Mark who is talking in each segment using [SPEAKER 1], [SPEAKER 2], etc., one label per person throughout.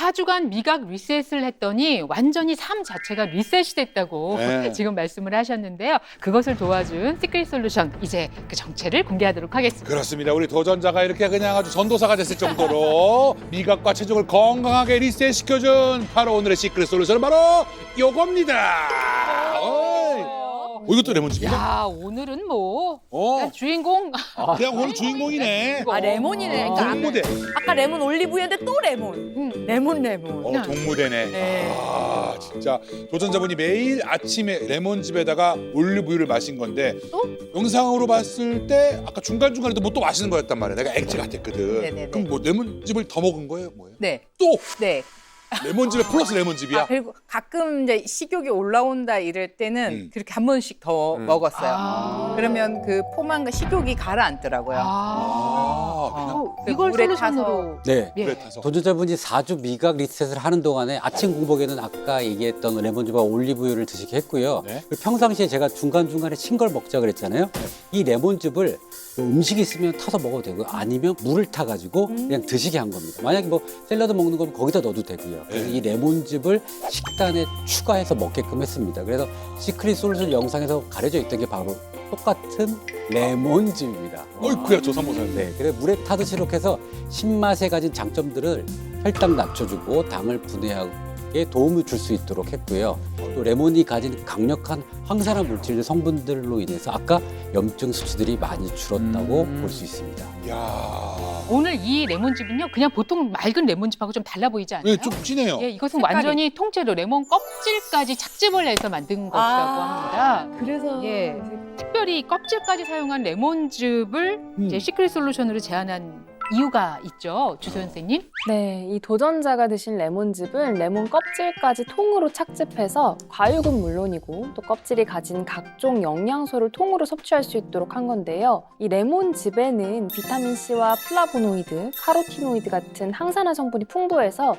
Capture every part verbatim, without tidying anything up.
[SPEAKER 1] 사 주간 미각 리셋을 했더니 완전히 삶 자체가 리셋이 됐다고
[SPEAKER 2] 네.
[SPEAKER 1] 지금 말씀을 하셨는데요. 그것을 도와준 시크릿 솔루션, 이제 그 정체를 공개하도록 하겠습니다.
[SPEAKER 2] 그렇습니다. 우리 도전자가 이렇게 그냥 아주 전도사가 됐을 정도로 미각과 체중을 건강하게 리셋시켜준 바로 오늘의 시크릿 솔루션은 바로 요겁니다. 어이. 어, 이것도 레몬즙이야?
[SPEAKER 1] 야, 오늘은 뭐
[SPEAKER 2] 어,
[SPEAKER 1] 그냥 주인공
[SPEAKER 2] 그냥 오늘 주인공이네.
[SPEAKER 3] 아 레몬이네.
[SPEAKER 2] 어,
[SPEAKER 3] 그러니까
[SPEAKER 2] 동무대.
[SPEAKER 3] 아까 레몬 올리브유인데 또 레몬.
[SPEAKER 1] 음.
[SPEAKER 3] 레몬 레몬.
[SPEAKER 2] 어, 동무대네.
[SPEAKER 3] 네.
[SPEAKER 2] 아, 진짜 도전자분이 매일 아침에 레몬즙에다가 올리브유를 마신 건데
[SPEAKER 3] 어?
[SPEAKER 2] 영상으로 봤을 때 아까 중간중간에도 뭐 또 마시는 거였단 말이야. 내가 액체 같았거든.
[SPEAKER 3] 네네네.
[SPEAKER 2] 그럼 뭐 레몬즙을 더 먹은 거예요? 뭐예요?
[SPEAKER 3] 네.
[SPEAKER 2] 또
[SPEAKER 3] 네.
[SPEAKER 2] 레몬즙에 플러스 레몬즙이야?
[SPEAKER 3] 아, 그리고 가끔 이제 식욕이 올라온다 이럴 때는
[SPEAKER 2] 음.
[SPEAKER 3] 그렇게 한 번씩 더
[SPEAKER 4] 음.
[SPEAKER 3] 먹었어요.
[SPEAKER 1] 아.
[SPEAKER 3] 그러면 그 포만과 식욕이 가라앉더라고요.
[SPEAKER 1] 아,
[SPEAKER 2] 아, 그냥
[SPEAKER 3] 어, 그
[SPEAKER 1] 이걸
[SPEAKER 3] 물에
[SPEAKER 1] 솔루션으로
[SPEAKER 4] 네.
[SPEAKER 1] 예.
[SPEAKER 2] 물에 타서.
[SPEAKER 4] 도전자분이 사 주 미각 리셋을 하는 동안에 아침 공복에는 아까 얘기했던 레몬즙과 올리브유를 드시게 했고요.
[SPEAKER 2] 네.
[SPEAKER 4] 그리고 평상시에 제가 중간중간에 신 걸 먹자 그랬잖아요. 이 레몬즙을 음식이 있으면 타서 먹어도 되고 아니면 물을 타가지고 그냥 드시게 한 겁니다. 만약에 뭐 샐러드 먹는 거면 거기다 넣어도 되고요. 그래서
[SPEAKER 2] 네.
[SPEAKER 4] 이 레몬즙을 식단에 추가해서 먹게끔 했습니다. 그래서 시크릿 솔루션 영상에서 가려져 있던 게 바로 똑같은 레몬즙입니다.
[SPEAKER 2] 어이쿠야 조삼모사님.
[SPEAKER 4] 네, 그래 물에 타듯이 이렇게 해서 신맛에 가진 장점들을 혈당 낮춰주고 당을 분해하게 도움을 줄 수 있도록 했고요. 또 레몬이 가진 강력한 항산화 물질 성분들로 인해서 아까 염증 수치들이 많이 줄었다고
[SPEAKER 2] 음.
[SPEAKER 4] 볼 수 있습니다.
[SPEAKER 2] 야,
[SPEAKER 1] 오늘 이 레몬즙은요, 그냥 보통 맑은 레몬즙하고 좀 달라 보이지 않아요?
[SPEAKER 2] 네, 좀 진해요.
[SPEAKER 1] 예, 이것은
[SPEAKER 3] 색깔이.
[SPEAKER 1] 완전히 통째로 레몬 껍질까지 착즙을 해서 만든 것이라고 합니다.
[SPEAKER 3] 그래서
[SPEAKER 1] 예, 특별히 껍질까지 사용한 레몬즙을
[SPEAKER 2] 음.
[SPEAKER 1] 이제 시크릿 솔루션으로 제안한 이유가 있죠, 주소 선생님?
[SPEAKER 5] 네, 이 도전자가 드신 레몬즙은 레몬 껍질까지 통으로 착즙해서 과육은 물론이고 또 껍질이 가진 각종 영양소를 통으로 섭취할 수 있도록 한 건데요. 이 레몬즙에는 비타민C와 플라보노이드, 카로티노이드 같은 항산화 성분이 풍부해서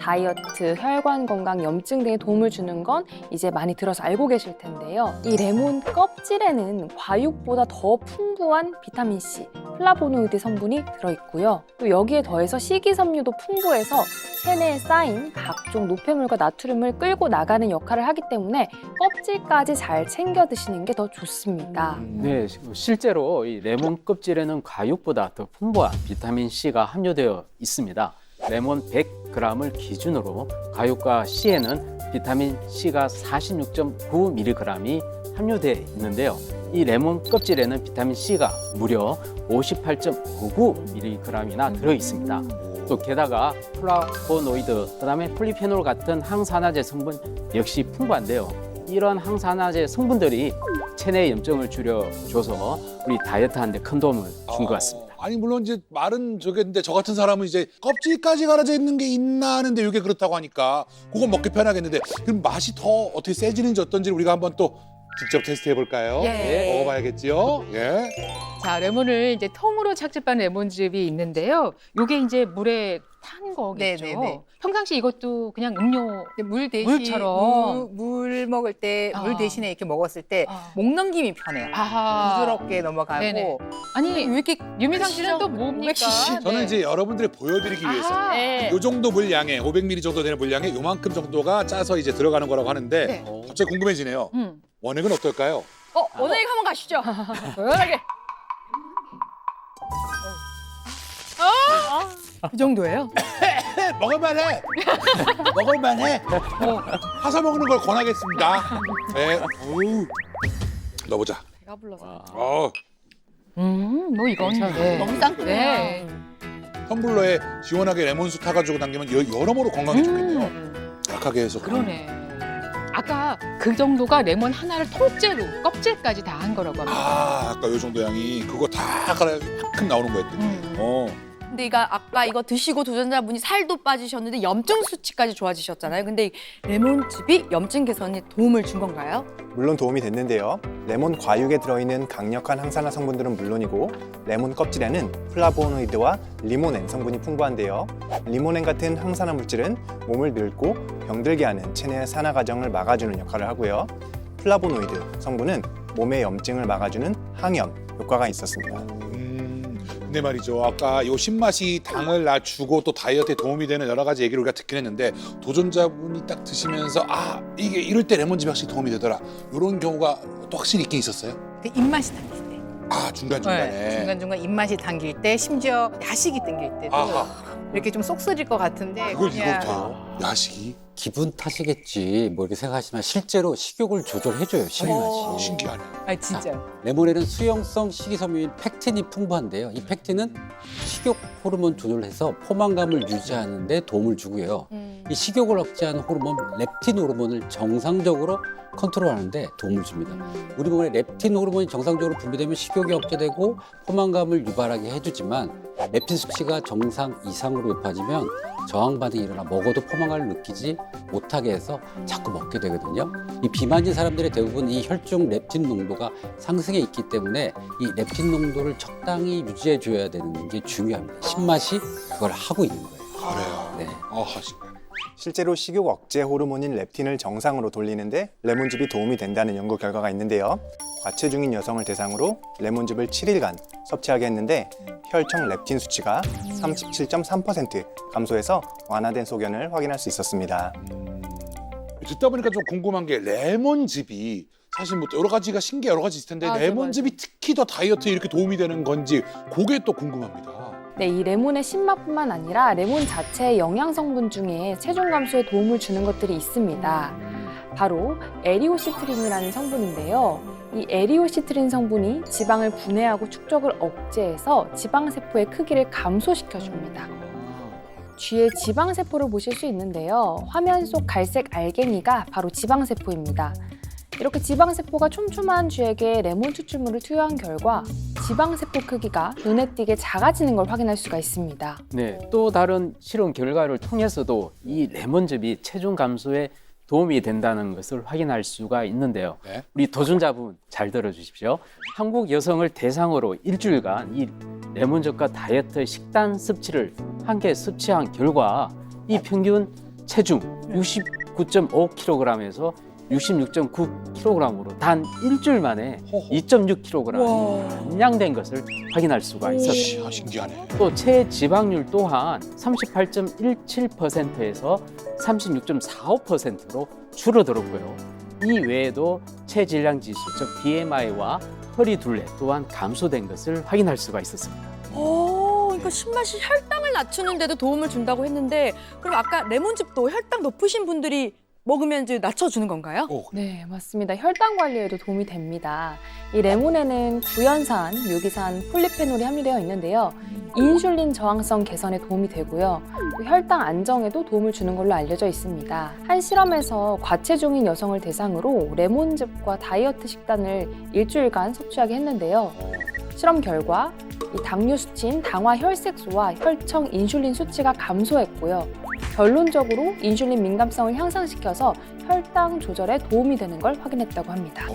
[SPEAKER 5] 다이어트, 혈관 건강, 염증 등에 도움을 주는 건 이제 많이 들어서 알고 계실 텐데요. 이 레몬 껍질에는 과육보다 더 풍부한 비타민C, 플라보노이드 성분이 들어있고요. 또 여기에 더해서 식이섬유도 풍부해서 체내에 쌓인 각종 노폐물과 나트륨을 끌고 나가는 역할을 하기 때문에 껍질까지 잘 챙겨 드시는 게 더 좋습니다.
[SPEAKER 6] 네, 실제로 이 레몬 껍질에는 과육보다 더 풍부한 비타민 C가 함유되어 있습니다. 레몬 백 그램을 기준으로 과육과 C에는 비타민 C가 사십육 점 구 밀리그램이 함유되어 있는데요. 이 레몬 껍질에는 비타민 C가 무려 오십팔 점 구구 밀리그램이나 들어 있습니다. 또 게다가 플라보노이드, 그다음에 폴리페놀 같은 항산화제 성분 역시 풍부한데요. 이런 항산화제 성분들이 체내 염증을 줄여줘서 우리 다이어트하는 데 큰 도움을 준 것 같습니다.
[SPEAKER 2] 아니 물론 이제 말은 저겠는데 저 같은 사람은 이제 껍질까지 갈아져 있는 게 있나 하는데 이게 그렇다고 하니까 그건 먹기 편하겠는데 그럼 맛이 더 어떻게 세지는지 어떤지 우리가 한번 또 직접 테스트해 볼까요?
[SPEAKER 1] 예.
[SPEAKER 2] 먹어봐야겠지요. 예.
[SPEAKER 1] 자, 레몬을 이제 통으로 착즙한 레몬즙이 있는데요. 요게 이제 물에 탄 거겠죠.
[SPEAKER 3] 네네네.
[SPEAKER 1] 평상시 이것도 그냥 음료
[SPEAKER 3] 물 대신
[SPEAKER 1] 물처럼.
[SPEAKER 3] 물, 물 먹을 때 물
[SPEAKER 1] 아.
[SPEAKER 3] 대신에 이렇게 먹었을 때 목
[SPEAKER 1] 아.
[SPEAKER 3] 넘김이 편해요.
[SPEAKER 1] 아하.
[SPEAKER 3] 부드럽게 넘어가고.
[SPEAKER 1] 네네. 아니,
[SPEAKER 3] 왜 이렇게
[SPEAKER 1] 유미상 씨는 또
[SPEAKER 3] 왜
[SPEAKER 1] 뭡니까?
[SPEAKER 3] 시죠?
[SPEAKER 2] 저는
[SPEAKER 1] 네.
[SPEAKER 2] 이제 여러분들이 보여드리기 위해서
[SPEAKER 1] 아하.
[SPEAKER 3] 네.
[SPEAKER 2] 요 정도 물량에 오백 밀리리터 정도 되는 물량에 요만큼 정도가 짜서 이제 들어가는 거라고 하는데
[SPEAKER 1] 네.
[SPEAKER 2] 갑자기 궁금해지네요.
[SPEAKER 1] 음.
[SPEAKER 2] 원액은 어떨까요?
[SPEAKER 3] 어, 오늘 한번 가시죠. 조용하게. 그 정도예요?
[SPEAKER 2] 먹을만해. 먹을만해. 어, 사서 먹는 걸 권하겠습니다. 네. 어우. 넣어보자.
[SPEAKER 3] 배가 불러서.
[SPEAKER 2] 어,
[SPEAKER 1] 음, 뭐 이건
[SPEAKER 6] 괜찮아요.
[SPEAKER 1] 네.
[SPEAKER 3] 너무 쌍둥이야.
[SPEAKER 1] 네.
[SPEAKER 2] 텀블러에 시원하게 레몬수 타가지고 당기면 여- 여러모로 건강에 좋겠네요.
[SPEAKER 1] 음,
[SPEAKER 2] 약하게 해서.
[SPEAKER 1] 그러네. 아까 그 정도가 레몬 하나를 통째로 껍질까지 다 한 거라고 합니다.
[SPEAKER 2] 아, 아까 요 정도 양이 그거 다 갈아 큰 나오는 거였더니.
[SPEAKER 1] 음.
[SPEAKER 2] 어.
[SPEAKER 7] 근데 이거 아까 이거 드시고 도전자분이 살도 빠지셨는데 염증 수치까지 좋아지셨잖아요. 근데 이 레몬즙이 염증 개선에 도움을 준 건가요?
[SPEAKER 8] 물론 도움이 됐는데요. 레몬 과육에 들어있는 강력한 항산화 성분들은 물론이고 레몬 껍질에는 플라보노이드와 리모넨 성분이 풍부한데요. 리모넨 같은 항산화 물질은 몸을 늙고 병들게 하는 체내 산화 과정을 막아주는 역할을 하고요. 플라보노이드 성분은 몸의 염증을 막아주는 항염 효과가 있었습니다.
[SPEAKER 2] 음, 근데 말이죠. 아까 요 신맛이 당을 낮추고 또 다이어트에 도움이 되는 여러 가지 얘기를 우리가 듣긴 했는데 도전자분이 딱 드시면서 아 이게 이럴 때 레몬즙이 확실히 도움이 되더라. 이런 경우가 또 확실히 있긴 있었어요.
[SPEAKER 3] 그 입맛이 당길 때.
[SPEAKER 2] 아 중간중간에.
[SPEAKER 3] 네, 중간중간 입맛이 당길 때, 심지어 야식이 당길 때도
[SPEAKER 2] 아하.
[SPEAKER 3] 이렇게 좀 쏙 쓰릴 것 같은데
[SPEAKER 2] 그걸
[SPEAKER 3] 그냥
[SPEAKER 2] 이거부터요? 야식이?
[SPEAKER 4] 기분 탓이겠지 뭐 이렇게 생각하시지만 실제로 식욕을 조절해줘요, 신맛이.
[SPEAKER 2] 어, 신기하네.
[SPEAKER 3] 아 진짜.
[SPEAKER 4] 레몬에는 수용성 식이섬유인 펙틴이 풍부한데요. 이 펙틴은 식욕 호르몬 조절해서 포만감을 유지하는 데 도움을 주고요.
[SPEAKER 7] 음.
[SPEAKER 4] 이 식욕을 억제하는 호르몬 렙틴 호르몬을 정상적으로 컨트롤하는 데 도움을 줍니다. 우리 몸에 렙틴 호르몬이 정상적으로 분비되면 식욕이 억제되고 포만감을 유발하게 해주지만 렙틴 수치가 정상 이상으로 높아지면 저항 반응이 일어나 먹어도 포만감을 느끼지 못하게 해서 자꾸 먹게 되거든요. 이 비만인 사람들의 대부분 이 혈중 렙틴 농도가 상승해 있기 때문에 이 렙틴 농도를 적당히 유지해 줘야 되는 게 중요합니다. 신맛이 그걸 하고 있는 거예요.
[SPEAKER 2] 그래요.
[SPEAKER 4] 네.
[SPEAKER 2] 아하 신기하네.
[SPEAKER 8] 실제로 식욕 억제 호르몬인 렙틴을 정상으로 돌리는데 레몬즙이 도움이 된다는 연구 결과가 있는데요. 과체중인 여성을 대상으로 레몬즙을 칠 일간 섭취하게 했는데 혈청 렙틴 수치가 삼십칠 점 삼 퍼센트 감소해서 완화된 소견을 확인할 수 있었습니다.
[SPEAKER 2] 음, 듣다 보니까 좀 궁금한 게 레몬즙이 사실 뭐 여러 가지가 신기 여러 가지 있을 텐데
[SPEAKER 7] 맞아,
[SPEAKER 2] 레몬즙이 특히 더 다이어트에 이렇게 도움이 되는 건지 그게 또 궁금합니다.
[SPEAKER 5] 네, 이 레몬의 신맛뿐만 아니라 레몬 자체의 영양 성분 중에 체중 감소에 도움을 주는 것들이 있습니다. 바로 에리오시트린이라는 성분인데요. 이 에리오시트린 성분이 지방을 분해하고 축적을 억제해서 지방세포의 크기를 감소시켜줍니다. 뒤에 지방세포를 보실 수 있는데요. 화면 속 갈색 알갱이가 바로 지방세포입니다. 이렇게 지방세포가 촘촘한 쥐에게 레몬 추출물을 투여한 결과 지방세포 크기가 눈에 띄게 작아지는 걸 확인할 수가 있습니다.
[SPEAKER 6] 네, 또 다른 실험 결과를 통해서도 이 레몬즙이 체중 감소에 도움이 된다는 것을 확인할 수가 있는데요.
[SPEAKER 2] 네.
[SPEAKER 6] 우리 도전자분 잘 들어주십시오. 한국 여성을 대상으로 일주일간 이 레몬즙과 다이어트 식단 섭취를 함께 섭취한 결과 이 평균 체중 육십구 점 오 킬로그램에서 육십육 점 구 킬로그램으로 단 일주일 만에 이 점 육 킬로그램이 감량된 것을 확인할 수가 있었습니다.
[SPEAKER 2] 아, 신기하네.
[SPEAKER 6] 또 체지방률 또한 삼십팔 점 일칠 퍼센트에서 삼십육 점 사오 퍼센트로 줄어들었고요. 이 외에도 체질량 지수, 즉 비엠아이와 허리 둘레 또한 감소된 것을 확인할 수가 있었습니다.
[SPEAKER 7] 오, 그러니까 신맛이 혈당을 낮추는데도 도움을 준다고 했는데 그럼 아까 레몬즙도 혈당 높으신 분들이 먹으면 이제 낮춰주는 건가요?
[SPEAKER 2] 오,
[SPEAKER 5] 네, 맞습니다. 혈당 관리에도 도움이 됩니다. 이 레몬에는 구연산, 묘기산, 폴리페놀이 함유되어 있는데요. 인슐린 저항성 개선에 도움이 되고요. 또 혈당 안정에도 도움을 주는 걸로 알려져 있습니다. 한 실험에서 과체중인 여성을 대상으로 레몬즙과 다이어트 식단을 일주일간 섭취하게 했는데요. 실험 결과 이 당뇨 수치인 당화 혈색소와 혈청 인슐린 수치가 감소했고요. 결론적으로 인슐린 민감성을 향상시켜서 혈당 조절에 도움이 되는 걸 확인했다고 합니다.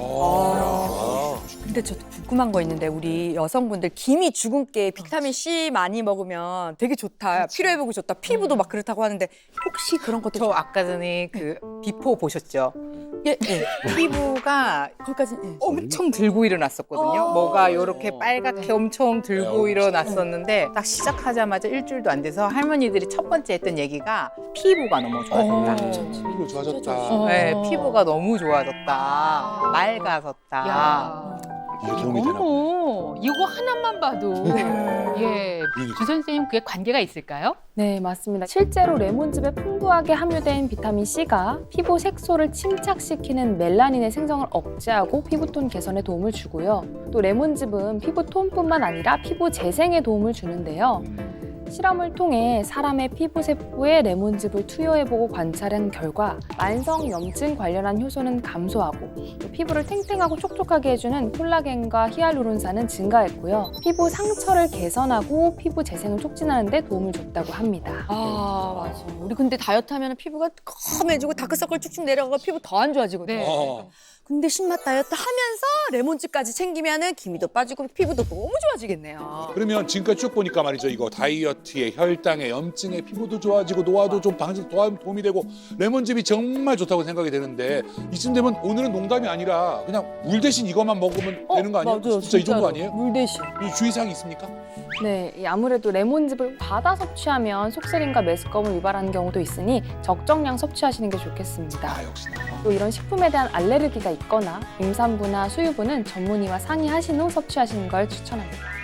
[SPEAKER 2] 아,
[SPEAKER 7] 근데 저도 궁금한 거 있는데 우리 여성분들 김이 주근깨 비타민 C 많이 먹으면 되게 좋다. 피로회복이 좋다. 피부도 막 그렇다고 하는데 혹시 그런 것도
[SPEAKER 3] 저 아까 전에 그 비포 보셨죠?
[SPEAKER 7] 예, 예.
[SPEAKER 3] 피부가
[SPEAKER 7] 거기까지 예.
[SPEAKER 3] 엄청 들고 일어났었거든요.
[SPEAKER 7] 어.
[SPEAKER 3] 뭐가 이렇게 빨갛게 엄청 들고
[SPEAKER 2] 네,
[SPEAKER 3] 일어났었는데 딱 시작하자마자 일주일도 안 돼서 할머니들이 첫 번째 했던 얘기가 피부가 너무 좋아졌다.
[SPEAKER 2] 피부 좋아졌다.
[SPEAKER 3] 네, 피부가 너무 좋아졌다. 맑아졌다.
[SPEAKER 1] 야,
[SPEAKER 2] 이게 도움이 되나 보네.
[SPEAKER 1] 어머, 이거 하나만 봐도 예,
[SPEAKER 2] 그러니까.
[SPEAKER 1] 주 선생님 그게 관계가 있을까요?
[SPEAKER 5] 네, 맞습니다. 실제로 레몬즙에 풍부하게 함유된 비타민 C가 피부 색소를 침착시키는 멜라닌의 생성을 억제하고 피부톤 개선에 도움을 주고요. 또 레몬즙은 피부톤뿐만 아니라 피부 재생에 도움을 주는데요. 실험을 통해 사람의 피부 세포에 레몬즙을 투여해보고 관찰한 결과 만성 염증 관련한 효소는 감소하고 또 피부를 탱탱하고 촉촉하게 해주는 콜라겐과 히알루론산은 증가했고요. 피부 상처를 개선하고 피부 재생을 촉진하는 데 도움을 줬다고 합니다.
[SPEAKER 7] 아, 맞아. 우리 근데 다이어트 하면 피부가 검해지고 다크서클 쭉쭉 내려가고 피부 더 안 좋아지거든요.
[SPEAKER 1] 네.
[SPEAKER 2] 어.
[SPEAKER 7] 근데 신맛 다이어트 하면서 레몬즙까지 챙기면은 기미도 빠지고 피부도 너무 좋아지겠네요.
[SPEAKER 2] 그러면 지금까지 쭉 보니까 말이죠. 이거 다이어트에 혈당에 염증에 피부도 좋아지고 노화도 좀 방지 도움이 되고 레몬즙이 정말 좋다고 생각이 되는데 이쯤 되면 오늘은 농담이 아니라 그냥 물 대신 이것만 먹으면 되는 거 아니에요?
[SPEAKER 7] 맞아요,
[SPEAKER 2] 진짜 이 정도
[SPEAKER 7] 진짜로.
[SPEAKER 2] 아니에요?
[SPEAKER 7] 물 대신.
[SPEAKER 2] 이 주의사항이 있습니까?
[SPEAKER 5] 네, 이 아무래도 레몬즙을 과다 섭취하면 속쓰림과 메스꺼움을 유발하는 경우도 있으니 적정량 섭취하시는 게 좋겠습니다.
[SPEAKER 2] 아 역시나.
[SPEAKER 5] 또 이런 식품에 대한 알레르기가 있거나 임산부나 수유부는 전문의와 상의하신 후 섭취하시는 걸 추천합니다.